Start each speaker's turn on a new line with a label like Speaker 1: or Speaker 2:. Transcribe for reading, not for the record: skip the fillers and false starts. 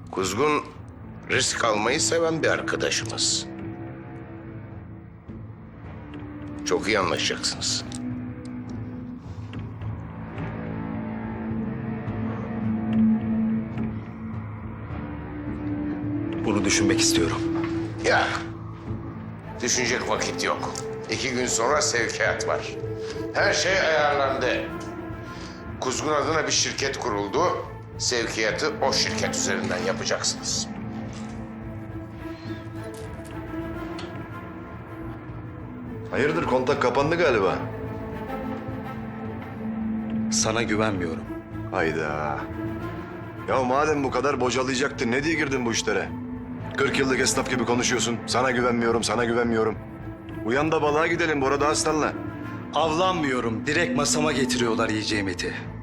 Speaker 1: Kuzgun risk almayı seven bir arkadaşımız. Çok iyi anlaşacaksınız.
Speaker 2: Bunu düşünmek istiyorum.
Speaker 1: Ya, düşünecek vakit yok. 2 gün sonra sevkiyat var. Her şey ayarlandı. Kuzgun adına bir şirket kuruldu. Sevkiyatı o şirket üzerinden yapacaksınız.
Speaker 3: Hayırdır, kontak kapandı galiba.
Speaker 2: Sana güvenmiyorum.
Speaker 3: Hayda. Ya madem bu kadar bocalayacaktın, ne diye girdin bu işlere? 40 yıllık esnaf gibi konuşuyorsun. Sana güvenmiyorum, sana güvenmiyorum. Uyan da balığa gidelim Bora Dağıstan'la.
Speaker 2: Avlanmıyorum. Direkt masama getiriyorlar yiyeceğim eti.